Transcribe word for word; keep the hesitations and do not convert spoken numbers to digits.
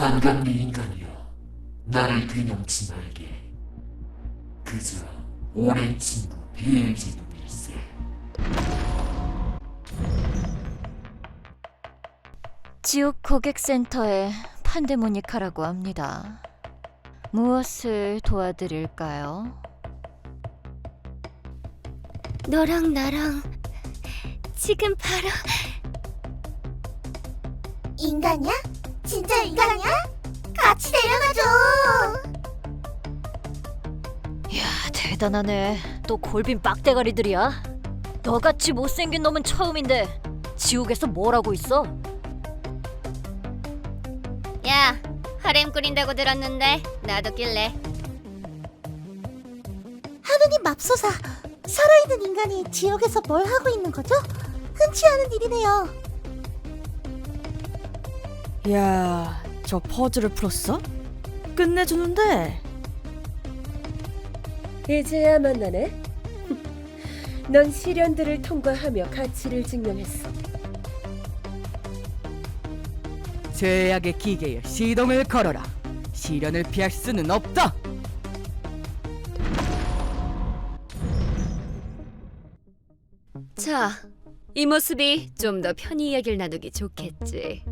반갑네 인간이여. 나를 귀농치 말게. 그저 오랜 친구 비엘제도일세. 지옥 고객센터의 판데모니카라고 합니다. 무엇을 도와드릴까요? 너랑 나랑 지금 바로 인간이야? 진짜 인간이야? 같이 데려가줘. 이야, 대단하네. 또 골빈 빡대가리들이야. 너같이 못생긴 놈은 처음인데 지옥에서 뭘 하고 있어? 야, 하렘 꾸린다고 들었는데 나도 낄래. 하느님 맙소사, 살아있는 인간이 지옥에서 뭘 하고 있는 거죠? 흔치 않은 일이네요. 야, 저 퍼즐을 풀었어? 끝내주는데. 이제야 만나네. 넌 시련들을 통과하며 가치를 증명했어. 죄악의 기계에 시동을 걸어라. 시련을 피할 수는 없다. 자, 이 모습이 좀 더 편히 이야기를 나누기 좋겠지.